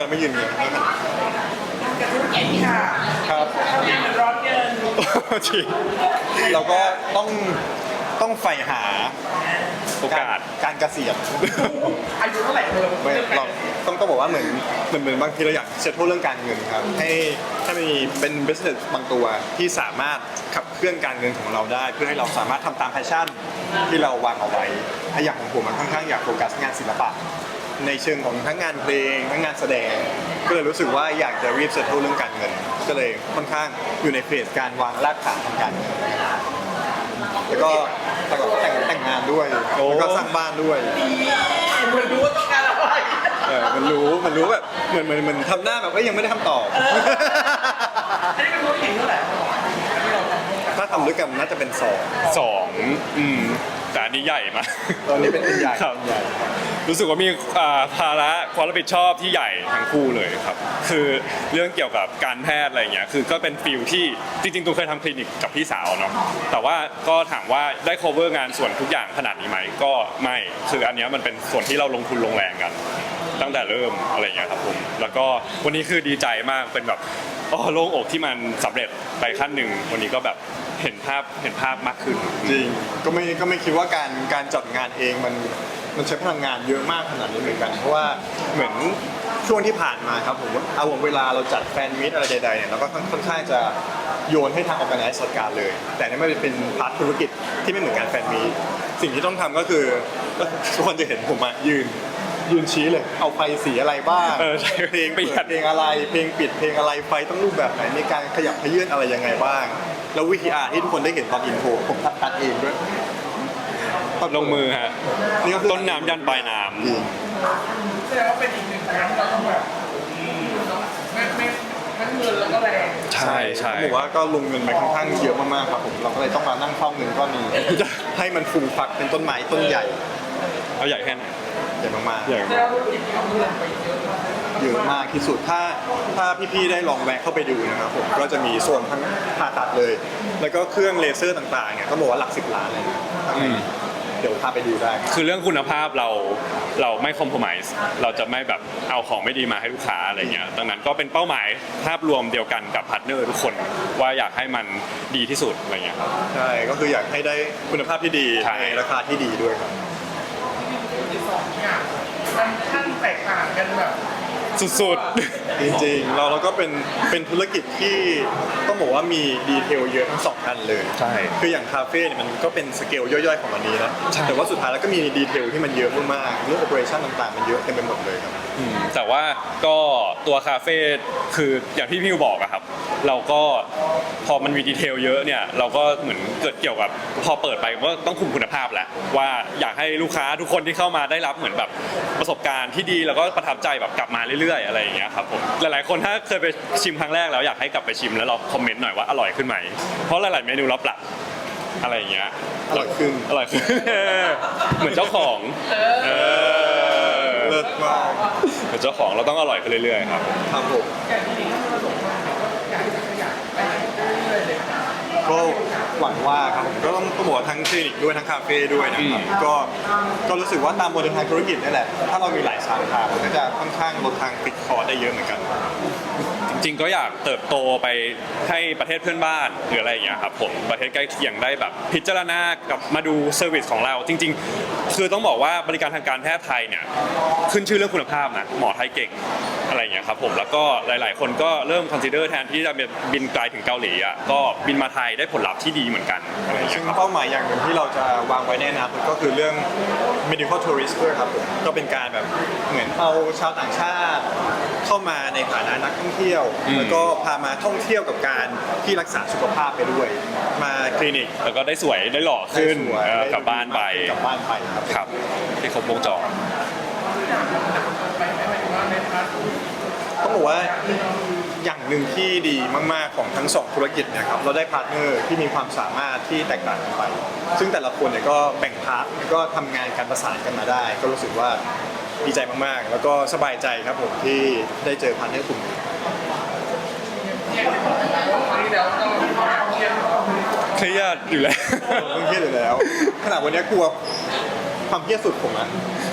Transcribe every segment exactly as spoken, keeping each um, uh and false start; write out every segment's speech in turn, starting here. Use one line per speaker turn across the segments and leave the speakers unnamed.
ไม่ยืนเงี้ยแล้วกัน
กับธุรกิจค่ะ
ครับ
ทำงานเหมือนร้อนเงิน
จริงเราก็ต้องต้องใฝ่หา
โอกาส
การเกษียณ
อายุเท่าไหร่เพิ่ม
ไม่เราต้องต้องบอกว่าเหมือนเหมือนเหมือนบางทีเราอยากเซตโทษเรื่องการเงินครับให้ให้มีเป็น business บางตัวที่สามารถขับเคลื่อนการเงินของเราได้ เพื่อให้เราสามารถทำตามแพชชั่นที่เราวางเอาไว้ถ้าอย่างของผมมันค่อนข้างอยากโฟกัสงานศิลปะในเชิงของทั้งงานเพลงทั้งงานแสดง ก็เลยรู้สึกว่าอยากจะรีบเซตโทษเรื่องการเงิน ก็เลยค่อนข้างอยู่ในเฟสการวางรากฐานทางการเงินแล้วก็แต่ก็แต่งแต่งงานด้วยแล้วก็สร้างบ้านด้วย
เหมือนรู้ว่าต้องการอะไร
เออมันรู้ มันรู้แบบเหมือนเหมือนเหมือนทำหน้าแบบว่ายังไม่ได้คำตอบ
อันนี้เป็นธุรกิจเท่าไหร่ที่เราทำ
ถ้าทำด้วยกันน่าจะเป็นสอง
สองอืมแต่อันนี้ใหญ่มาก
ตอนนี้เป็นใหญ่
ครับ
ใหญ่
รู้สึกว่ามีอ่าภาระความรับผิดชอบที่ใหญ่ทั้งคู่เลยครับ คือเรื่องเกี่ยวกับการแพทย์อะไรเงี้ยคือก็เป็นฟิลที่จริงๆตูเคยทำคลินิกกับพี่สาวเนาะแต่ว่าก็ถามว่าได้ cover งานส่วนทุกอย่างขนาดนี้ไหมก็ไม่คืออันเนี้ยมันเป็นส่วนที่เราลงทุนลงแรงกัน ตั้งแต่เริ่มอะไรเงี้ยครับผมแล้วก็วันนี้คือดีใจมากเป็นแบบอ๋อโล่งอกที่มันสำเร็จไปขั้นหนึ่งวันนี้ก็แบบเห็นภาพเห็นภาพมากขึ้น
จริง ก็ไม่ก็ไม่คิดว่าการการจัดงานเองมันมันใช้พลังงานเยอะมากขนาดนี้เหมือนกัน เพราะว่าเหมือนช่วงที่ผ่านมาครับผมเอาเวลาเราจัดแฟนมิตอะไรใดๆเนี่ยเราก็ค่อนข้างจะโยนให้ทางออแกไนซ์จัดการเลย แต่นี่มันเป็นพาร์ทธุรกิจที่ไม่เหมือนการแฟนมิตสิ่งที่ต้องทำก็คือก็ทุกคนจะเห็นผมอะยืนยืนชี้เลย เอาไฟสีอะไรบ้าง
เออใช่
เพลง
ประ
เปิ
หยั
ด
ด
เพลงอะไร เพลงปิดเพลงอะไร ไฟต้องรูปแบบไหน มีการขยับขยื่นอะไรยังไงบ้าง แล้ววิธีอาร์ที่ทุกคนได้เห็นตอนอินโทรผมตัดเองด้วย
ลงมือฮะ
นี่ก็คือ
ต้นน้ำยันปลายน้
จริง
แสดงว่าเป็นอีกหนึ่งครั้งที่เราต้องแบบไม่ไม่ทั้งเงินแล้วก็แรง
ำใช่ใช่
ผมบอกว่าก็ลงเงินไปค่อนข้างเยอะมากๆครับผม เราก็เลยต้องมานั่งเฝ้าเงินก้อนนี้ ให้มันฟูมฟักเป็นต้นไม้ต้นใหญ่
เอาใหญ่แค่ไหน
ใหญ่มากๆ
ใหญ่
แสดงว่าธุรกิจที่เราลงไปเยอะมาก
เยอะมากที่สุดถ้าถ้าพี่ๆได้ลองแวะเข้าไปดูนะครับผมก็จะมีโซนทั้งผ่าตัดเลย แล้วก็เครื่องเลเซอร์ต่างๆเนี่ยก็บอกว่าหลักสิบล้านเลยนะข้างในเดี๋ยวพาไปดูได้
คือเรื่องคุณภาพเราเราไม่คอม p r o m i s e เราจะไม่แบบเอาของไม่ดีมาให้ลูกค้าอะไรเงี้ยดังนั้นก็เป็นเป้าหมายภาพรวมเดียวกันกับพาร์ทเนอร์ทุกคนว่าอยากให้มันดีที่สุดอะไรเงี้ยครับ
ใช่ก็คืออยากให้ได้คุณภาพที่ดี
ใช่
ในราคาที่ดีด้วยครับ
ธุรกิจสองเนี่ยมันขั้นแตกต่างกันแบบ
สุด
จริงๆเราเราก็เป็นเป็นธุรกิจที่ต้องบอกว่ามีดีเทลเยอะทั้งสองอันเลย
ๆใช่
คืออย่างคาเฟ่เนี่ยมันก็เป็นสเกลย่อยๆของมันนี้นะ
ใช่
แต่ว่าสุดท้ายแล้วก็มีดีเทลที่มันเยอะมากๆเรื่องโอเปอเรชั่นต่างๆมันเยอะเต็มไปหมดเลยครับ
อืมแต่ว่าก็ตัวคาเฟ่คืออย่างที่พี่วิวบอกอะครับ เราก็พอมันมีดีเทลเยอะเนี่ยเราก็เหมือนเกิดเกี่ยวกับพอเปิดไปก็ต้องคุมคุณภาพแหละว่าอยากให้ลูกค้าทุกคนที่เข้ามาได้รับเหมือนแบบประสบการณ์ที่ดีแล้วก็ประทับใจแบบกลับมาเรื่อยๆอะไรอย่างเงี้ยครับผมหลายๆคนถ้าเคยไปชิมครั้งแรกแล้วอยากให้กลับไปชิมแล้วเราคอมเมนต์หน่อยว่าอร่อยขึ้นไหมเพราะหลายๆเมนูเราปรับอะไรอย่างเงี้ย
อร่อยขึ้น
อร่อยขึ้น เหมือนเจ้าของเออ
เลิศมาก
เหมือนเจ้าของเราต้องอร่อยขึ้นเรื่อยๆครับ
ครับผม
อย่างที่ที่เราลงมาก็อยากจะขยายไปเรื่อยๆเลยค่ะ
ก็หวังว่าครับผมก็ต้องต้องบอกว่าทั้งคลินิกด้วยทั้งคาเฟ่ด้วยนะครับก็ก็รู้สึกว่าตามโมเดลทางธุรกิจนี่แหละถ้าเรามีหลายสาขามันก็จะค่อนข้างลดทางปิดคอร์สได้เยอะเหมือนกัน
จริงๆก็อยากเติบโตไปให้ประเทศเพื่อนบ้านหรืออะไรอย่างเงี้ยครับผมประเทศใกล้เคียงได้แบบพิจารณากับมาดูเซอร์วิสของเราจริงๆ คือต้องบอกว่าบริการทางการแพทย์ไทยเนี่ยขึ้นชื่อเรื่องคุณภาพนะหมอไทยเก่งอะไรอย่างเงี้ยครับผมแล้วก็หลายๆ คนก็เริ่มคอนซิเดอร์แทนที่จะบินไกลถึงเกาหลีอ่ะก็บินมาไทยได้ผลลัพธ์ที่ดีเหมือนกันอะไรอย่างเงี้
ซึ่
ย
ง
ครับ
เป้าหมายอย่างหนึ่งที่เราจะวางไว้ในอนาคตก็คือเรื่อง medical tourist ด้วยครับผมก็เป็นการแบบเหมือนเอาชาวต่างชาติ เข้ามาในฐานะนักท่องเที่ยว
อืม
แล้วก็พามาท่องเที่ยวกับการที่รักษาสุขภาพไปด้วย มาคลินิก
แล้วก็ได้สวยได้หล่อขึ้น
ได้สวย
เออ
ได้
กลับบ้านไป
กลับบ้านไปครับ
ครับที่ครบวงจร
ไปไม่หมายถึงว่าในพาร์ท
ต้องบอกว่าอย่างหนึ่งที่ดีมากๆของทั้งสองธุรกิจเนะครับเราได้พาร์ทเนอร์ที่มีความสามารถที่แตกต่างกันไป ซึ่งแต่ละคนเนี่ยก็แบ่งพาร์ทแล้วก็ทำงานการประสานกันมาได้ ก็รู้สึกว่าดีใจมากๆ แล้วก็สบายใจครับผมที่ได้เจอพาร์ทเนอร์กลุ่มนี้
เนี่ยที่ผมบอกว่าครั้งที่แล้วก็มีความเครียด
เครียดอยู่แล้ว
เรื่องเครียดอยู่แล้วขนาดวันนี้กลัวความเครียดสุดผมนะ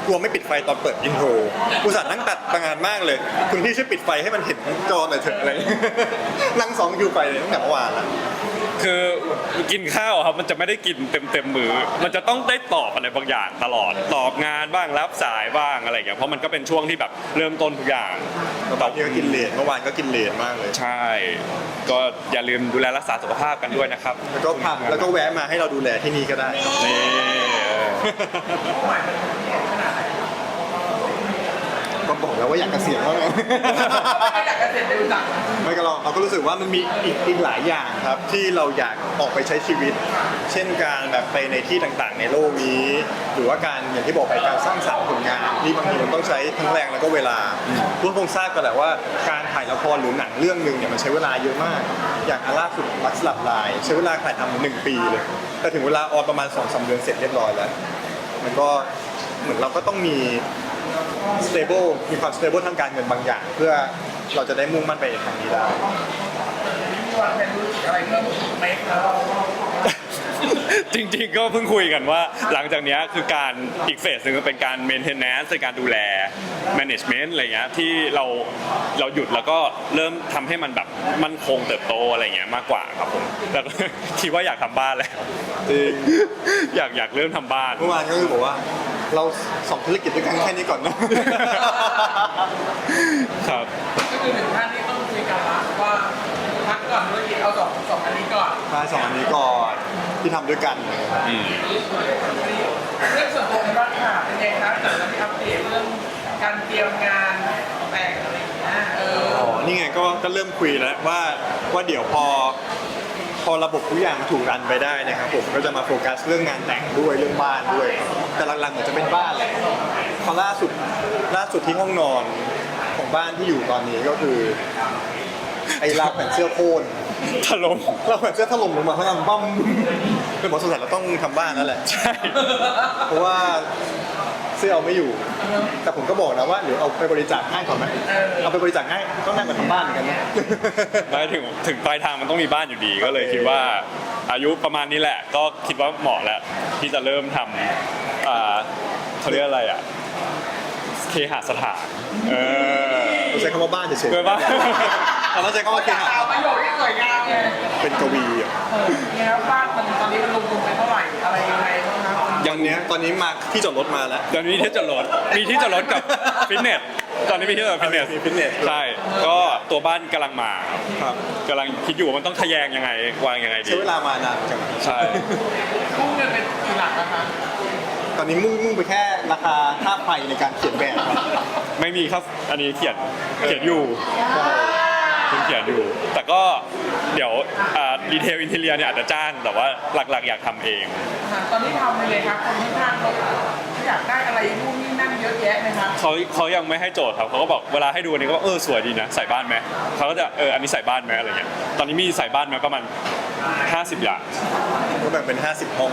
กลัวไม่ปิดไฟตอนเปิดอินโทรอุตส่าห์นั่งตัดตั้งงานมากเลย คุณพี่ช่วยปิดไฟให้มันเห็นทั้งจอหน่อยเถอะอะไร นั่งสองคิวไฟเลยตั้งแต่เมื่อวานแล้ว
คือกินข้าวอะครับมันจะไม่ได้กินเต็มเต็มๆมือ มันจะต้องได้ตอบอะไรบางอย่างตลอดตอบงานบ้างรับสายบ้างอะไรอย่างเงี้ยเพราะมันก็เป็นช่วงที่แบบเริ่มต้นทุกอย่าง
ตอนนี้ก็กินเลนเมื่อวานก็กินเลนมากเลย
ใช่ ก็อย่าลืมดูแลรักษาสุขภาพกันด้วยนะครับ
แล้วก็พาแล้วก็แวะมาให้เราดูแลที่นี่ก็ได้
นี่
ก็บอกแล้วว่าอยากเกษียณแล้วไง
ไม่อยากจะเสร็จเร็วจัง
ไม่ก็เราเราก็รู้สึกว่ามันมีอีกอีกหลายอย่างครับที่เราอยากออกไปใช้ชีวิต เช่นการแบบไปในที่ต่างๆ ในโลกนี้ หรือว่าการอย่างที่บอกไปการสร้างสรรค์ผลงานที่บางทีมันต้องใช้ทั้งแรงแล้วก็เวลาทุกคนคงทราบกันแหละว่าการถ่ายละครหรือหนังเรื่องหนึ่งเนี่ยมันใช้เวลาเยอะมาก อย่างอันล่าสุดรักสลับลายใช้เวลาถ่ายทำหนึ่งปีเลย แต่ถึงเวลาออนประมาณสองสามเดือนเสร็จเรียบร้อยแล้ว มันก็เหมือนเราก็ต้องมี stable มีความ stable ทางการเงินบางอย่าง เพื่อเราจะได้มุ่งมั่นไปทางนี้ได้
มีวางแผนธุรกิจอะไรเพิ่มอีกไหมครับ
จริงๆก็เพิ่งคุยกันว่าหลังจากเนี้ยคือการอีกเฟสหนึ่งก็เป็นการ maintenance ในการดูแล management อะไรเงี้ยที่เราเราหยุดแล้วก็เริ่มทำให้มันแบบมั่นคงเติบโตอะไรเงี้ยมากกว่าครับผมแล้วก็ คิดว่าอยากทำบ้านแล้ว
จริง
อยากอยากเริ่มทำบ้าน
เมื่อวานก็คือบอกว่าเราสองธุรกิจด้วยกันแค่นี้ก่อนนะ
ครับ
ก็คือถึงขั้นที่ต้องคุยกันละว่าพักก่อนธุรกิจเอาสองสองอันนี้ก่อน
ใช่สองอันนี้ก่อนที่ทำด้วยกัน
อืม
เรื่องส่วนตัวในบ้านค่ะเป็นไงครับจากที่อัปเดตเรื่องการเตรียมงานแต่งอะไรอย่างเงี้ยเออ
อ๋อ นี่ไงก็ก็เริ่มคุยแล้วว่าว่าเดี๋ยวพอพอระบบทุกอย่างถูกรันไปได้นะครับผมก็จะมาโฟกัสเรื่องงานแต่งด้วยเรื่องบ้านด้วย แต่หลักๆเหมือนจะเป็นบ้านแหละเพราะล่าสุดล่าสุดที่ห้องนอนของบ้านที่อยู่ตอนนี้ก็คือไอ้ราวแผ่นเสื้อโค่น
ถล่ม
ราวแผ่นเสื้อถล่มลงมาข้างล่างบ้มเป็นหมอสงสัยเราต้องทำบ้านแล้วแหละ
ใช่
เพราะว่าเสื้อเอาไม่อยู่ แต่ผมก็บอกนะว่าเดี๋ยวเอาไปบริจาคให้ก่อนไหมเอาไปบริจาคให้ก็นั่งมาทำบ้านเหมือนกันนะ
ไม่ถึงถึงปลายทางมันต้องมีบ้านอยู่ดีก็เลยคิดว่าอายุประมาณนี้แหละ ก็คิดว่าเหมาะแล้วที่จะเริ่มทำอ่าเขาเรียกอะไรอ่ะเคหสถานเออ
เราใช้คำว่าบ้านเฉยๆ
เกิดว่า
เราต้องใช้คำว่าเคหะ
เอาประโยชน์ที่สวยงามไง
เป็นกวีอ่ะ
เออเนี่ยครับบ้านมันตอนนี้มันลงทุนไปเท่าไหร่อะไรยังไงบ้างครับ
อย่างเนี้ยตอนนี้มาที่จอดรถมาแล้ว
ตอนนี้มีที่จอดรถมีที่จอดรถกับฟิตเนสตอนนี้มีที่จอดรถฟิตเนส
มีฟิตเนสด้วย
ใช่ก็ตัวบ้านกำลังมา
ครับ
กำลังคิดอยู่ว่ามันต้องทะแยงยังไงวางยังไงดี
ใช้เวลามานานจัง
ใช่
พุ่งเงินเป็นกี่หลักนะคะ
ตอนนี้มุ่งมุ่งไปแค่ราคาค่าไฟในการเขียนแบบครับ
ไม่มีครับอันนี้เขียนเขียนอยู่คุณเขียนอยู่ แต่ก็เดี๋ยวดีเทลอินเทเลียเนี่ยอาจจะจ้างแต่ว่าหลักๆ อยากทำเอง
อ่าตอนนี้ทำไปเลยครับคนที่ข้างเขาอยากได้อะไรนู่นนี่นั่นเยอะแยะไหมครับ
เขาเขายังไม่ให้โจทย์ครับเขาก็บอกเวลาให้ดูอันนี้ก็บอกเออสวยดีนะใส่บ้านไหมเขาก็จะเอออันนี้ใส่บ้านไหมอะไรเงี้ยตอนนี้มีใส่บ้านไหมประมาณห้าสิบอย่าง
ก็แบ่งเป็นห้าสิบห้อง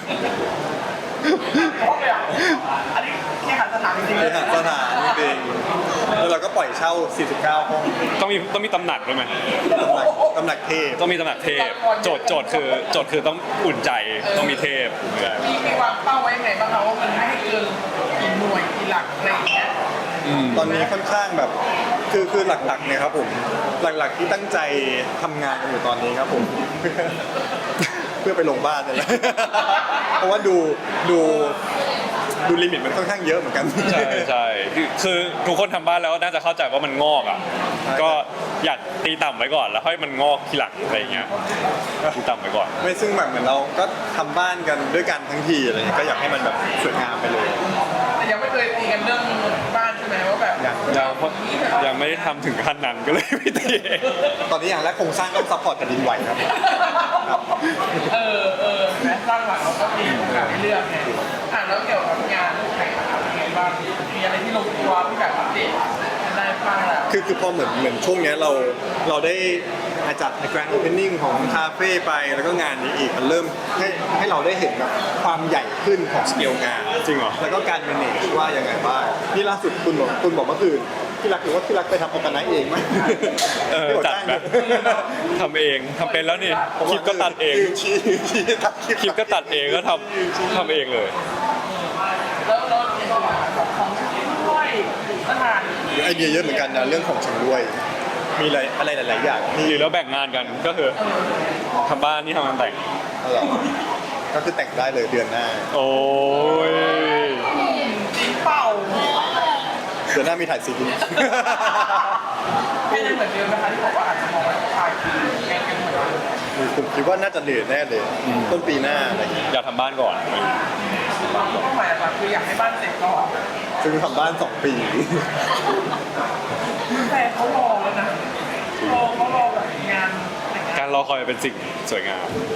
เพราะแบบอันนี้แค่หันสถานจริงๆ
เค
เลย
หสถานจริงๆแล้วเราก็ปล่อยเช่าสี่สิบเก้าห้อง
ต้องมีต้องมีตำหนักด้วยไหม
ตำหนักตำหนักเทพ
ต้องมีตำหนักเทพโจทย์โจทย์คือโจทย์คือต้องอุ่นใจต้องมีเทพ
มีมีวางเป้าไว้ยังไงบ้างครับว่ามันไม่ให้เกินกี่หน่วยกี่หลักอะไรอย่างเงี้ย
ตอนนี้ค่อนข้างแบบคือคือหลักๆเนี่ยครับผมหลักๆที่ตั้งใจทำงานกันอยู่ตอนนี้ครับผม เพื่อไปลงบ้านนี่แหละ เพราะว่าดูดูดูลิมิตมันค่อนข้างเยอะเหมือนกัน
ใช่ใช่คือคือทุกคนทำบ้านแล้วน่าจะเข้าใจว่ามันงอกอ่ะ
ใช่
ก็อยากตีต่ำไว้ก่อนแล้วค่อยมันงอกทีหลังอะไรอย่างเงี้ยตีต่ำไว้ก่อน
ไม่ซึ่งแบบเหมือนเราก็ทำบ้านกันด้วยกันทั้งทีอะไรเงี้ยก็อยากให้มันแบบสวยงามไปเลย
แต่ยังไม่เคยตีกันเรื่องบ้านใช่ไหมว่าแบบ
ยัง
ยังเพราะยังไม่ได้ทำถึงขั้นนั้นก็เลยไม่ตีเอง
ตอนนี้อย่างแรกโครงสร้างต้องซัพพอร์ตแผ่นดินไหวครับครับ
เออเออแม้สร้างหลังเราก็มีโอกาสให้เลือกไงอ่ะแล้วเกี่ยวกับงานถ่ายทำเป็นไงบ้างมีอะไรที่ลงตัวที่แบบอัปเดตได้บ้างแล้ว
คือคือพอเหมือนเหมือนช่วงเนี้ยเราเราได้จัด Grand Opening ของคาเฟ่ไปแล้วก็งานนี้อีกมันเริ่มให้ให้เราได้เห็นแบบความใหญ่ขึ้นของสเกลงาน
จริงเหรอ
แล้วก็การ manage ว่ายังไงบ้างนี่ล่าสุดคุณบอกคุณบอกเมื่อคืนที่รักหรือว่าที่รักไปทำออร์แกไนซ์เองไหม
เออ
ที่บอก
จัด
จ้าง
แบบทำเองทำเป็นแล้วนี่คลิปก็ตัดเอง
ยืนชี้ชี้ตัด
คลิปก็ตัดเองก็ทำทำเองเลย
แล้วแล้ว
ไอเดียเยอะเหมือนกันนะเรื่องของชำร่วย มีอะไรอะไรหลายๆอย่างที่
หรือแล้วแบ่งงานกันก็คือทำบ้านนี่ทำงานแต่ง
เอาเหรอก็คือแต่งได้เลยเดือนหน้า
โอ้ย
จริงเปล่า
เดือนหน้ามีถ่ายซีรีส์
ไม่ได้เหมือนเดิมนะคะที่บอกว่าอาจจะมองว่าชายคือแกงกันเหมือนเดิม
ผมคิดว่าน่าจะเดือนแน่เลย ต้นปีหน้าอะไรอย่างเงี้ย
อยากทำบ้านก่อน
เป้าหมายหลักๆคืออยากให้บ้านเสร็จก่อน
ซึ่งทำบ้านสองปี
แต่เขารอแล้วนะรอเขารอแบบงาน
การรอคอยเป็นสิ่งสวยงาม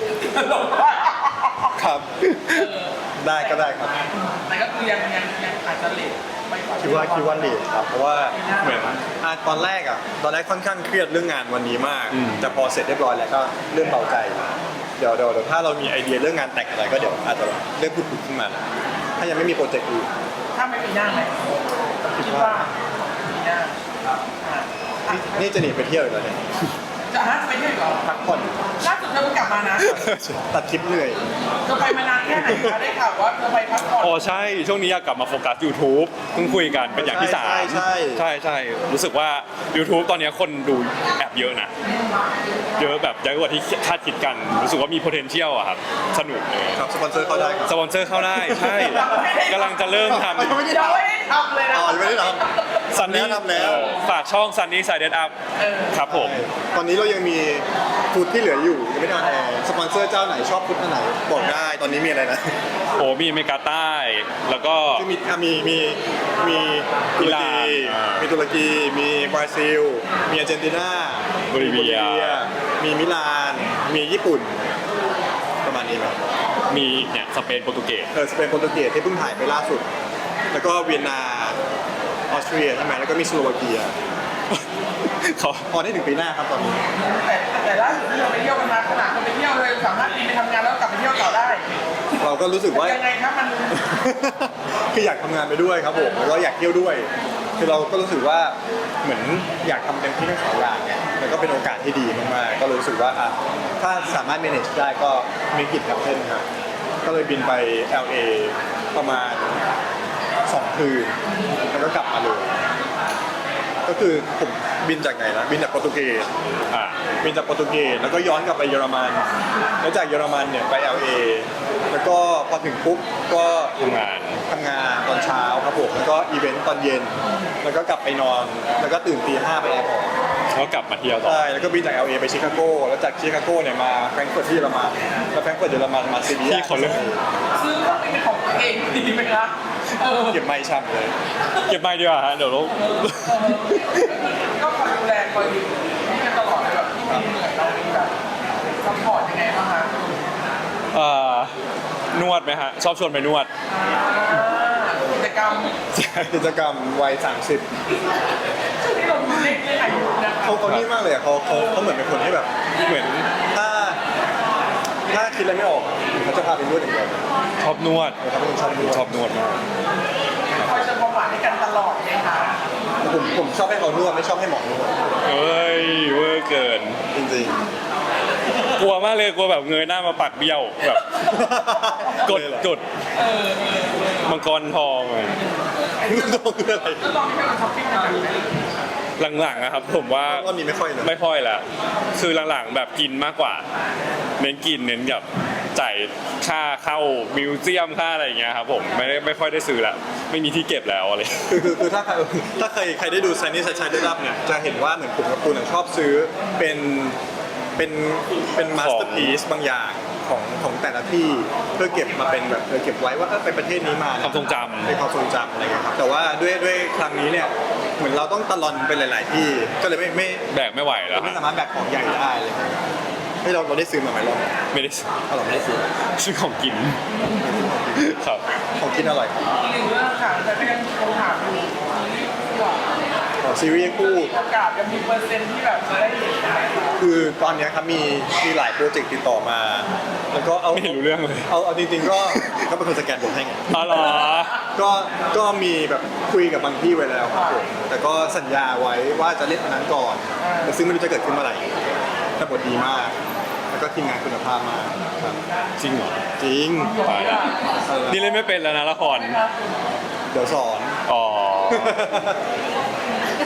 ครับ ได้ก็ได้ครับ
แต่ก็คือยังยังยังอาจจะเลทไม่กว่า
คิดว่าคิดว่าเลทครับ เพราะว่าเหมือนอ่ะตอนแรกอ่ะ ตอนแรกค่อนข้างเครียดเรื่องงานวันนี้มาก
อืม
แต่พอเสร็จเรียบร้อยแล้วก็เริ่มเบาใจ เดี๋ยวเดี๋ยวเดี๋ยวถ้าเรามีไอเดียเรื่องงานแต่งอะไรก็เดี๋ยวอาจจะเริ่มพูดคุยขึ้นมา ถ้ายังไม่มีโปรเจกต์อื่น
ถ้าไม่มีหน้าไหมคิดว่ามีหน้าอ่ะ
นี่นี่จะหนีไปเที่ยวอีกแล้วเนี่ย
จะฮะจะไปเที่ยวอีกเหรอ
พักผ่อน
ล่าสุดเธอเพิ่งกลับมานะ
ตัดคลิปเหนื่อย
เธอไปมานานแค่ไหนคะได้ข่าวว่าเธอไปพักผ่อน
อ๋อใช่ ช่วงนี้อยากกลับมาโฟกัส YouTube เพิ่งคุยกันเป็นอย่างที่สาม
ใช่ใช่
ใช่ใช่รู้สึกว่า YouTube ตอนนี้คนดูแอบเยอะนะ เยอะแบบเยอะกว่าที่คาดคิดกัน รู้สึกว่ามี potential อะครับ สนุกเลย
ครับสปอนเซอร์เข้าได้ครับ
สปอนเซอร์เข้าได้ ใช่กำลังจะเริ่มท
ยังไม่ได้
ยังไม่ได้ทำเลยนะ
อ๋อยังไม่ได้ท
ำซันนี่
ทำแล้ว
ฝากช่อง Sunny Side Up
เออ
ครับผม
ำตอนนี้เรายังมีฟุตที่เหลืออยู่ยังไม่ได้ออนแอร์สปอนเซอร์เจ้าไหนชอบฟุตอันไหนบอกได้ตอนนี้มีอะไรนะ
โอ้มีอเมริกาใต้ แล้วก็
คือมีอ่ะมีมีมีตุรกี
อิหร่านอ่ามี
มีตุรกี มีบราซิล มีอาร์เจนตินา
โบลิเวีย
มีมิลาน มีญี่ปุ่น ประมาณนี้ครับ
มีเนี่ยสเปนโปรตุเกส
เออสเปนโปรตุเกสที่เพิ่งถ่ายไปล่าสุด แล้วก็เวียนนาออสเตรียใช่ไหมแล้วก็มีสโลวาเกีย
เขา
พอได้ถึงปีหน้าครับตอนนี้
แต่แต่ล่าสุดที่เราไปเที่ยวกันมาขนาดคนไปเที่ยวเลยสามารถบินไปทำงานแล้วกลับไปเที่ยวต่อได้
เราก็รู้สึกว่า
ยังไงครับมัน
คืออยากทำงานไปด้วยครับผมแล้วก็อยากเที่ยวด้วย คือเราก็รู้สึกว่าเหมือนอยากทำเต็มที่ทั้งสองอย่างไงแล้วก็เป็นโอกาสที่ดีมากๆก็รู้สึกว่าอ่ะถ้าสามารถ manage ได้ก็มีกิจครับเช่นครับก็เลยบินไป แอล เอ ประมาณสองคืนแล้วก็กลับมาเลย ก็คือผมบินจากไหนนะบินจากโปรตุเกส
อ่า
บินจากโปรตุเกสแล้วก็ย้อนกลับไปเยอรมัน แล้วจากเยอรมันเนี่ยไป แอล เอ แล้วก็พอถึงปุ๊บก็
ทำงาน
ทำงานตอนเช้าครับผมแล้วก็อีเวนต์ตอนเย็น แล้วก็กลับไปนอน แล้วก็ตื่นตีห้าไปแอร์พอร์ต
แล้วกลับมาเที่ยวต่อ
ใช่แล้วก็บินจาก แอล เอ ไปชิคาโก แล้วจากชิคาโกเนี่ยมาแฟรงก์เฟิร์ตที่เยอรมันแล้วแฟรงก์เฟิร์ตเยอรมันมาซีเรีย
ที่เขาเลือก
ซื้อเครื่องบินเป็นของตัวเองดีไหมคะเออ
เก็บไม่ช่ำเลย
เก็บไม่ดีกว่าฮะเดี๋ยวเรา
ก็คอยดูแลคอยดูนี่กันตลอดเลยแบบที่มีเหนื่อยเรามีแบบซัพพอร์ตยังไงบ้างคะ
เอ่อนวดไหมฮะ ชอบชวนไปนวด
อ่ากิจกรรม
กิจกรรมวัยสามสิบ
ช่วงนี้เราดูเล็กเรื่องอายุนะคะ
เขาเขานี่มากเลยอะเขาเขาเขาเหมือนเป็นคนที่แบบ เหมือนถ้าถ้าคิดอะไรไม่ออกอะเขาจะพาไปนวดอย่างเดียว
ชอบนวด
เขาเป็นคนชอบนวด
ชอบนวดมาก
คอยเติมความหวานให้กันตลอดไหมคะ
ผมผมชอบให้เขานวดไม่ชอบให้หมอนวด
เฮ้ยเวอร์เกิน
จริง
กลัวมากเลยกลัวแบบเงยหน้ามาปักเบี้ยวแบบ
ๆ
กด
เลยเหรอก
ดมังกรทองเลย
ต้องคืออะไร
แล้วลองให้มันช้อปปิ้งกันไหม
หลังๆนะครับผมว่า
ว่ามีไม่ค่อยเลย
ไม่ค่อยละคือหลังๆแบบกินมากกว่า เน้นกินเน้นแบบจ่ายค่าเข้ามิวเซียมค่าอะไรอย่างเงี้ยครับผมไม่ได้ไม่ค่อยได้ซื้อละไม่มีที่เก็บแล้วอะไร
คือคือคือถ้าใครถ้าใครใครได้ดูไซนี่ชัยชัยได้รับเนี่ยจะเห็นว่าเหมือนผมกับคุณอะชอบซื้อเป็นเป็นเป็นมาสเตอร์พีซบางอย่างของของแต่ละที่เพื่อเก็บมาเป็นแบบเออเก็บไว้ว่าเออไปประเทศนี้มานะ
ความทรงจำ
เป็นความทรงจำอะไรเงี้ยครับแต่ว่าด้วยด้วยครั้งนี้เนี่ยเหมือนเราต้องตะลอนไปหลาย ๆ ที่ก็เลยไม่ไม่
แบกไม่ไหวแล้ว
ไม่
ฮะ
สามารถแบกของใหญ่ได้เลยให้เราเราได้ซื้อมาไหมเรา
ไม่ได้
เอาเราไม่ได้ซื้อ
ซื้อของกินครับ
ของกินอร่อยครับ
อีกหนึ่งเรื่องค่ะแต่ก็ยังคงถามอยู่ซีรีส์คู่อะ
ของซีรีส์คู่
โอกาสยังมีเปอร์เซ็นต์ที่แบบจะได้เห็นไหมคะ
คือตอนเนี้ยครับมีมีหลายโปรเจกต์ติดต่อมา แล้วก็เอา
ไม่เห็นรู้เรื่องเลย
เอาเอาจริงๆก็ก็เป็นคนสแกนผมให้ไง
อ๋อเหรอ
ก็ก็มีแบบคุยกับบางที่ไว้แล้วครับผมแต่ก็สัญญาไว้ว่าจะเล่นอันนั้นก่อนแต่ซึ่งไม่รู้จะเกิดขึ้นเมื่อไหร่แต่บทดีมาก แล้วก็ทีมงานคุณภาพมากครับ
จริงเหรอ
จริง
ตายละนี่เล่นไม่เป็นแล้วนะละคร
เดี๋ยวสอน
อ๋อ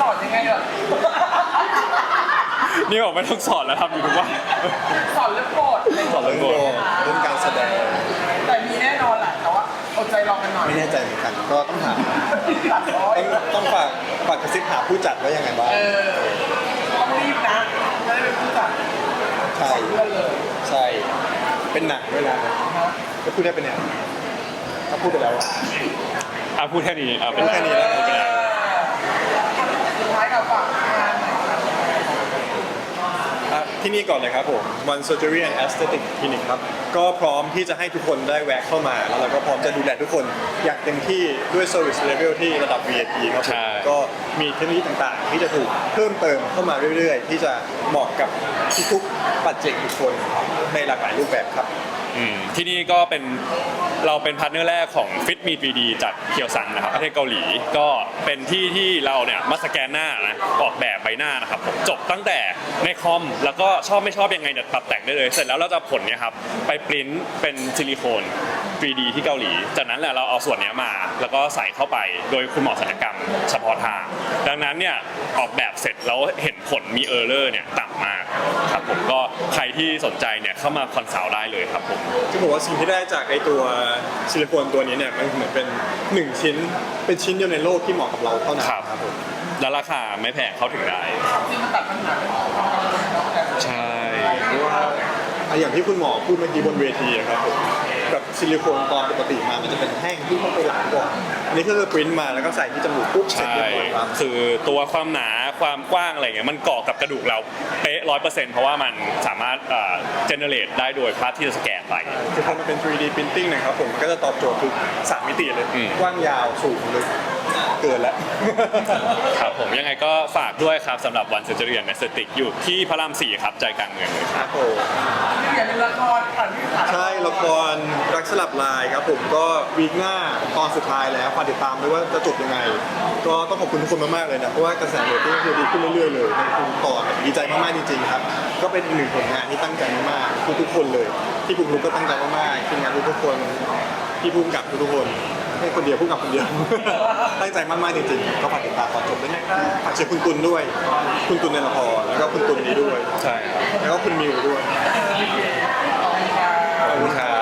อนยังไงล่ะ
นี่บอกไม่ต้องสอนแล้วทำอยู่ทุกวัน
สอนเรื่องโกรธอะไร
สอนเรื่องโบเรื่องการแสดง
แต่มีแน่นอนแหละแต่ว่าอดใจรอกันหน่อย
ไม่แน่ใจเหมือนกันก็ต้องถาม
ตัดร้อย
ต้องต้องฝากฝากกระซิบหาผู้จัดว่ายังไงบ้าง
เออต้องรีบนะจะได้เป็นผู้จัด
ใช่
เพื่อนเลย
ใช่ เป็นหนังเวลาก็พูดได้เป็นเนี่ยก็พูดไปแล้วอะ
อ่ะพูดแค่นี้อ่ะเป็น
พูดแค่นี้แล้ว
พูดไปแล้ว
สุดท้ายกับฝากงานหน่อยครับ
อ่ะที่นี่ก่อนเลยครับผม One Surgery and Aesthetic Clinic ครับ ก็พร้อมที่จะให้ทุกคนได้แวะเข้ามา แล้วเราก็พร้อมจะดูแลทุกคนอย่างเต็มที่ด้วย Service Level ที่ระดับ วี ไอ พี ครับผมก็มีเทคโนโลยีต่างๆ ที่จะถูกเพิ่มเติมเข้ามาเรื่อยๆ ที่จะเหมาะกับทุกๆปัจเจกบุคคลในหลากหลายรูปแบบครับ
อืมที่นี่ก็เป็นเราเป็นพาร์ทเนอร์แรกของ Fit Me ทรี ดี จากเคียวซังนะครับประเทศเกาหลีก็เป็นที่ที่เราเนี่ยมาสแกนหน้านะออกแบบใบหน้านะครับผมจบตั้งแต่ในคอมแล้วก็ชอบไม่ชอบยังไงเนี่ยปรับแต่งได้เลย เสร็จแล้วเราจะผลเนี่ยครับไปปริ้นเป็นซิลิโคน ทรี ดี ที่เกาหลี จากนั้นแหละเราเอาส่วนเนี้ยมา แล้วก็ใส่เข้าไปโดยคุณหมอศัลยกรรมเฉพาะทางดังนั้นเนี่ยออกแบบเสร็จแล้วเห็นผลมีเออร์เลอร์เนี่ยต่ำมากครับผมก็ใครที่สนใจเนี่ยเข้ามาคอนซัลท์ได้เลยครับผม
ที่บอกว่าสิ่งที่ได้จากไอตัวซิลิโคนตัวนี้เนี่ยมันเหมือนเป็นหนึ่งชิ้นเป็นชิ้นเดียวในโลกที่เหมาะกับเราเท่านั้น
ครับ
ครับผม
แล้วราคาไม่แพงเข้าถึงได้
จริงมันตัดปัญหาเรื่องของความกังวลของแต่
ใช่
เพราะว่าอ่ะอย่างที่คุณหมอพูดเมื่อกี้บนเวทีอะครับผมกับซิลิโคนตอนปกติมามันจะเป็นแท่งที่เข้าไปหลังก่อนอันนี้ก็คือปริ้นมาแล้วก็ใส่ที่จมูกปุ๊บเสร็จ
ใช่
เรียบร้อยครับ
คือตัวความหนาความกว้างอะไรเงี้ยมันเกาะกับกระดูกเราเป๊ะร้อยเปอร์เซ็นต์เพราะว่ามันสามารถเอ่อเจเนเรตได้โดยภาพที่จะสแกนไป
คือพอมันเป็น ทรี ดี printing นะครับผมมันก็จะตอบโจทย์ทุกสามมิติเลย
อืม
กว้างยาวสูงลึกเกินแล้ว
ครับผมยังไงก็ฝากด้วยครับสำหรับวันเซอร์เจอรี่แอนด์เอสเตติกอยู่ที่พระรามสี่ครับใจกลางเมืองเลยค
ครับ รับผม
อย่าลืมละครผ่านที่ผ่าน
ใช่ละครรักสลับลายครับผมก็วีคหน้าตอนสุดท้ายแล้วฝากติดตามด้วยว่าจะจบยังไง ก็ต้องขอบคุณทุกคนมากๆเลยนะเพราะว่ากระแสเรตติ้งคือดีขึ้นเรื่อยๆเลยในทุกตอนดีใจมากๆจริงๆครับก็เป็นอีกหนึ่งผลงานที่ตั้งใจมากๆทุกๆคนเลยที่ภูมิลุกก็ตั้งใจมากๆทีมงานทุกๆคนที่ภูมิกับทุกๆคนไม่คนเดียวภูมิกับคนเดียว ตั้งใจมากๆจริงๆก็ฝากติดตามตอนจบด้วยนะครับฝากเชียร์คุณตุลด้วย คุณตุลในละครแล้วก็คุณตุลนี้ด้วย
ใช่ครับ
แล้วก็คุณมิวด้วย
โอเคขอบคุณครับ
ขอบคุณครับ